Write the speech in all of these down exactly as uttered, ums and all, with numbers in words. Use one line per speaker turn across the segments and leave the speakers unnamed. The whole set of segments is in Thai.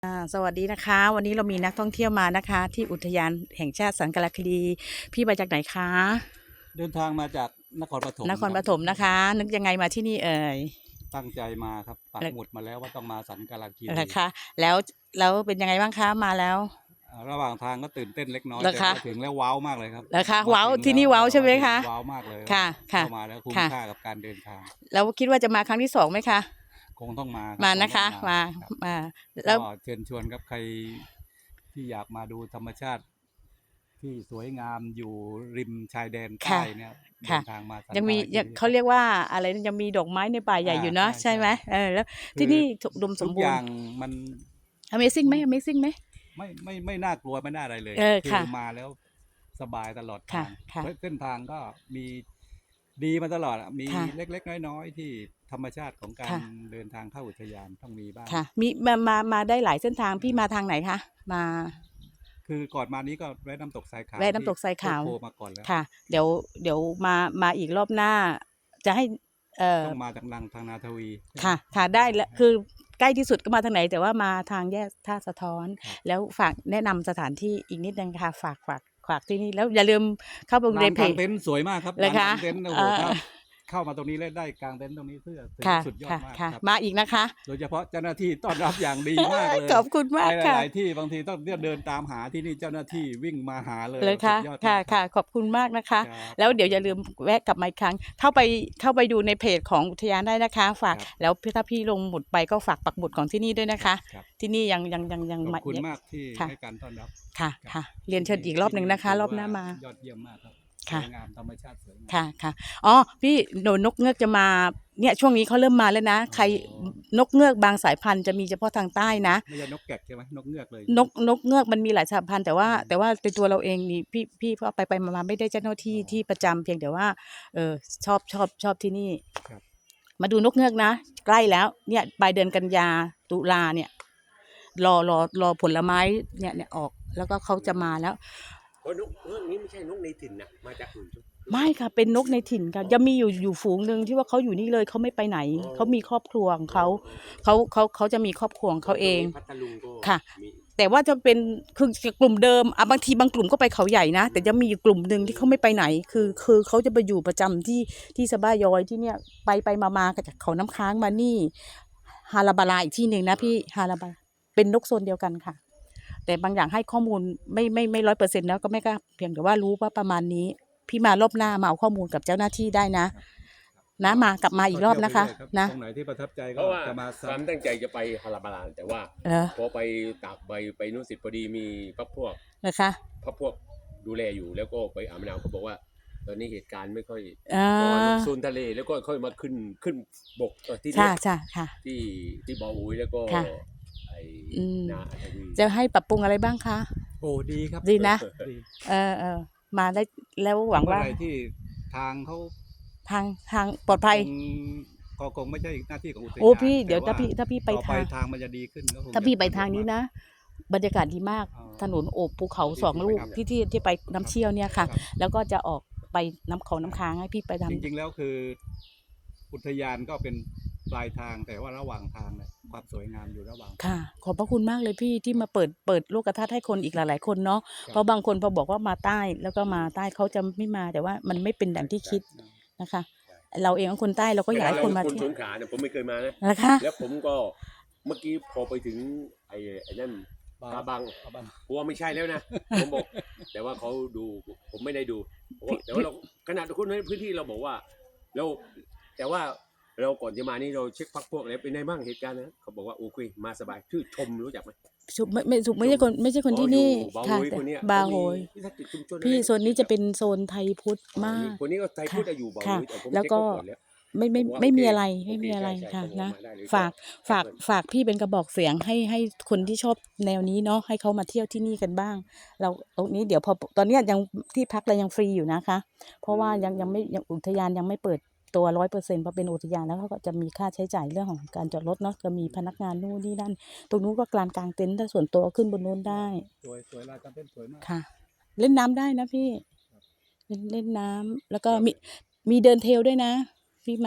อ่าสวัสดีนะคะวันนี้เรามีนักท่องเที่ยวมานะคะ ที่อุทยานแห่งชาติสันกลคดีพี่มาจากไหนคะ
เดินทางมาจากนครปฐม
นคร
ครับ
ปฐมนะคะ นึกยังไงมาที่นี่เอ่ย
ตั้งใจมาครับปักหมุดมาแล้วว่าต้องมาสันกาลคีรี
นะคะแล้วแล้วเป็นยังไงบ้างคะมาแล้ว
อ่าระหว่างทางก็ตื่นเต้นเล็กน้อย
เหรอคะ
แต่พอถึงแล้วว้าวมากเลยครับ
นะคะ
มา
ว้าว
ถึง
ที่นี่ว้าว
แล้วเอ่อ
ใช่ไหมคะ
มาถึงว้าวมากเลย
ค่ะค่ะ
เข้ามาแล้วคุ้ม
ค่ะ
ค่ากับการเดินทาง
แล้วคิดว่าจะมาครั้งที่สองไหมคะ
คงต้องมาครับ
มา
คง
นะคะ
ต้องมา
มา
ครับ
มาแล้
ก็
ว
เชิญชวนครับใครที่อยากมาดูธรรมชาติที่สวยงามอยู่ริมชายแดนใต้
ค่ะ
เนี่ยเดิ
ค่ะ
นทางมาสัน
ยังมี
กาลคี
ยัง
รีครับ
เขาเรียกว่าอะไรนะยังมีดอกไม้ในป่าใหญ่
อ่า
อยู่เนาะ
ใช่ใช่
ใช่ไหมเออแล้ว
คือ
ที่นี่อุดมสมบูรณ์
ทุกอย่างมัน
Amazing ไหม Amazing ไหม
ไม่ไม่ไม่น่ากลัวไม่น่าอะไรเลย
เออ
คือ
ค่ะ
มาแล้วสบายตลอด
ค่ะ
ทาง
ค่ะ
เส้นทางก็มีดีมาตลอดอะมี
ค่ะ
เล็กๆน้อยๆที่ธรรมชาติของการ
ค่ะ
เดินทางเข้าอุทยานต้องมีบ้าง
ค่ะมีมามามาได้หลายเส้นทางพี่มา
อ่า
ทางไหนคะมา
คือก่อนมานี้ก็แวะน้ำตกทรายขาว
แวะ
ที่
น้ำตกทราย
โคก
ขาว
โพมาก่อนแล้ว
ค่ะเดี๋ยวเดี๋ยวมามาอีกรอบหน้าจะให้เอ่อ
ต้องมาจากนังทางนาทวีใช่ไหม
ค่ะค่ะได้แล้วคือใกล้ที่สุดก็มาทางไหนแต่ว่ามาทางแยกท่าสะท้อน
ครับ
แล้วฝากแนะนำสถานที่อีกนิดนึงค่ะฝากฝากฝากที่นี่แล้วอย่าลืมเข้าไปดู
ลา
ใน
นกลาง
เพจ
เต็นท์สวยมากครับ
เลยค่ะ
ลานกลางเต็นท์โอ้
เออ
โหถ้าเข้ามาตรงนี้แล้วได้กลางเต็นท์ตรงนี้เพื่อถือ
ค่ะ
ว่าสุดยอด
ค่ะ
มาก
ค่ะ
ครับ
มาอีกนะคะ
โดยเฉพาะเจ้าหน้าที่ต้อนรับอย่างดีมากเลย
ขอบคุณ
ไป
มากค่ะ
หลายๆที่บางทีต้องเดินตามหาที่นี่เจ้าหน้าที่วิ่งมาหาเลย
เลย
สุ
ค่ะ
ดยอด
ค่ะ
มากครับ
ค่ะขอบคุณมากนะคะ
ครับ
แล้ว
ขอบคุณครับ
เดี๋ยวอย่าลืมแวะกลับมาอีกครั้งเข้าไปเข้าไปดูในเพจของอุทยานได้นะคะฝาก
ครับ
แล้วถ้าพี่ลงหมุดไปก็ฝากปักหมุดของที่นี่ด้วยนะ
ครั
คะ
บครับ
ที่นี่ยังยังยังยัง
ขอบคุณ
ยัง
มากที่
ค่ะ
ให้การต้อนรับ
ค่ะ
ครับ
ค่ะเรียนเชิญ
ที่
อีกรอบหนึ่งนะคะ
ที่
ร
ถื
อบหน้ามา
ยอดเยี่ยมมากครับส
ค่ะ
วยงามธรรมชาติสวยงาม
ค่ะค่ะอ๋อพี่โดนนกเงือกจะมาเนี่ยช่วงนี้เขาเริ่มมาแล้วนะ
อ๋
ใคร
อ
นกเงือกบางสายพันธุ์จะมีเฉพาะทางใต้นะ
ไม่ใช่นกแกกใช่ไหมนกเงือกเลย
น
ใช่ไหม
กนกเงือกมันมีหลายสายพันธุ์แต่ว่า
อืม
แต่ว่าในตัวเราเองนี่พี่พี่พอไปไปมาๆไม่ได้เจ้าหน้าที่
อ๋อ
ที่ประจำเพียงแต่ว่าเออชอบชอบชอบที่นี่
ครับ
มาดูนกเงือกนะใกล้แล้วเนี่ยปลายเดือนกันยาตุลาเนี่ยรอรอรอผลไม้เนี่ยเนี่ยออกแล้วก็เขาจะมาแล้ว
เพราะนกเรื่องนี้ไม่ใช่นกในถิ่นนะมาจากอื่นใช่ไหมหรือ
ไม่
ว่า
ค่ะเป็นนกในถิ่นค่ะจะมีอยู่อยู่ฝูงหนึ่งที่ว่าเขาอยู่นี่เลยเขาไม่ไปไหน
อ๋อ
เขามีครอบครัวของ
อ๋อ
เขา
เออเออ
เขาเขาเขาจะมีครอบครัวของ
เพ
เขาเอง
ราะตรงนี้พัทลุงก็
ค่ะ
มี
แต่ว่าจะเป็นคือกลุ่มเดิมอ่ะบางทีบางกลุ่มก็ไปเขาใหญ่นะแต่จะมีอยู่กลุ่มหนึ่งที่เขาไม่ไปไหนคือคือเขาจะไปอยู่ประจำที่ที่สะบ้ายอยที่เนี่ยไปไปมามาจากเขาน้ำค้างมานี่ฮาราบาลาอีกที่หนึ่งนะพี่ฮาราบาเป็นนกโซนเดียวกันค่ะแต่บางอย่างให้ข้อมูลไม่ไม่ไม่ร้อยเปอร์เซ็นต์แล้วก็ไม่กล้าเพียงแต่ว่ารู้ว่าประมาณนี้พี่มารอบหน้ามาเอาข้อมูลกับเจ้าหน้าที่ได้นะนะมากลับมาอีกรอบนะคะ
ก็เที่ยวไปเรื่อยครับ
นะ
ตรงไหนที่ประทับใจ
เพ
ก็
ราะว่า
จะมา
ความ
ซ้ำ
ตั้งใจจะไปฮาราบาลานแต่ว่า
เออ
พอไปตากใบไปนู่นสิพอดีมีพักพวก
นะคะ
พักพวกดูแลอยู่แล้วก็ไปอ่าวมะนาวเขาบอกว่า ตอนนี้เหตุการณ์ไม่ค่อย
อ่า
เพราะว่าโซนทะเลแล้วก็ค่อยมาขึ้นขึ้นบกเอ่อที่
ใช่
เนี้ย
ใช่ค่ะ
ที่ที่บออุยแล้วก็
ค่ะ
ไอ้
อืม
นาทวี
จะให้ปรับปรุงอะไรบ้างคะ
โอ้ดีครับ
ดีนะ
ดี
เออเออมาได้แล้วหวัง
เมื่อ
ว่า
ไหรที่ทางเขา
ทางทางปลอดภัย
คงก็คงไม่ใช่หน้าที่ของอุท
โอ้
ยาน
พี่เดี๋ยว
แต่
ถ้าพี่ถ้าพี่ไป
ต่อไป
ทาง
ทางมันจะดีขึ้นก็คง
ถ้า
จะ
พี่ไป
สะดวก
ทางนี้
มก
นะ บรรยากาศดีมาก
อ๋อ
ถนนโอบภูเขาสอง
ที่
ลูก
ไปทำ
ที่ที่ที่ไปน้ำเชี่ยวเนี่ยค่ะ
ครับ
แล้วก็จะออกไปน้ำเขาน้ำค้างให้พี่ไปทำ
จริงๆแล้วคืออุทยานก็เป็นปลายทางแต่ว่าระหว่างทางเนี่ยความสวยงามอยู่ระหว่างทาง
ค่ะ ขอบพระคุณมากเลยพี่ที่มาเปิดเปิดโลกทัศน์ให้คนอีกหลายๆคนเนาะ
ครับ
เพราะบางคนพอบอกว่ามาใต้แล้วก็มาใต้เขาจะไม่มาแต่ว่ามันไม่เป็นดังที่คิดนะคะ เราเองก็คนใต้เราก็อยากให้คนมา
คน
เที่ย
ส
ว
งขลาเนี่ยผมไม่เคยมานะ
นะคะ
แล้วผมก็เมื่อกี้พอไปถึงไอ้ไอ้นั่น
บาง
กาบัง
กาบัง
ผมว่าไม่ใช่แล้วนะ ผมบอก แต่ว่าเขาดูผมไม่ได้ดูผมว่าแต่ว่าเราขนาดคนในพื้นที่เราบอกว่าเราแต่ว่าเราก่อนจะมานี่เราเช็คพักพวกอะไรเป็นไงบ้างเหตุการณ์นะเขาบอกว่าโอเคมาสบายชื่อชมรู้จักไหม
สุไม่ไม่สุไม่ใช่คนไม่ใช่คนที่นี่
บา
ค่ะ
โฮย
แต่
คนเนี้ย
บา
เขา
โฮ
มี
ย
วิสาหกิจชุมชน
พี่
อไร
โซนนี้จะเป็นโซนไทยพุทธ
อ๋อ
มา
นี่
ก
คนนี้ก็ไทย
ค่ะ
พูดอยู่บาโฮ
ค่ะ
ยแต่ผม
แล้ว
เช็ค
ก็
เขาก่อนแล้ว
ไม่ไม่
ผมว่า
ไม่มี
โอเค
อะไร
โอ
ไม่
เค
มีอะไร
ใช่ใช่
ค่ะ
ผมว่า
นะ
มาได้เลย
ฝาก
ก็
ฝาก
แอดเพื่อน
ฝากพี่เป็นกระบอกเสียงให้ให้คนที่ชอบแนวนี้เนาะให้เขามาเที่ยวที่นี่กันบ้าง เราตรงนี้เดี๋ยวพอตอนเนี้ยยังที่พักเรายังฟรีอยู่นะคะ เพราะว่ายังยังไม่ยังอุทยานยังไม่เปิดตัวร้อยเปอร์เซ็นต์เพราะเป็นอุทยานแล้วเขาก็จะมีค่าใช้จ่ายเรื่องของการจอดรถเนาะจะมีพนักงานนู่นนี่นั่นตรงนู้นก็กลางกลางเต็นท์ถ้าส่วนตัวขึ้นบนนู้นได้
สวยสวยลายการเต้นสวยมาก
ค่ะ เล่นน้ำได้นะพี่เล่นเล่นน้ำแล้วก็มีมีเดินเทรลด้วยนะ พี่มา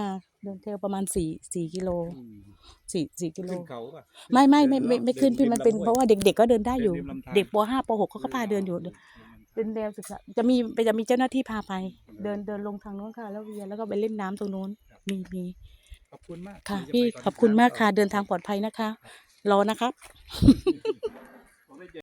เดินเทรลประมาณสี่สี่กิโล
อืม
สี่สี่กิโล
ขึ้นเขาป่ะ
ไม่ไม่ไม่
เดิ
ไม่ไม่ขึ้น
ดิ
พี่มันเป็น
ริลำห้วย
เพราะว่าเด็กๆก็เดินได้อยู่
เดินริมลำธาร
เด็กปห้าปหกเขาก็พาเดินอยู่ เป็นแนวศึกษาจะมีจะมีเจ้าหน้าที่พาไป เดินเดินลงทางโน้นค่ะ แล้วเวียนแล้วก็ไปเล่นน้ำตรงโน้น มีมี
ขอบคุณมาก
ค่ะ
ที่จะ
พี่
ไปตน
ขอบคุณมาก
เช้
ค่ะ เดินทางปลอดภัยนะคะ รอนะครับ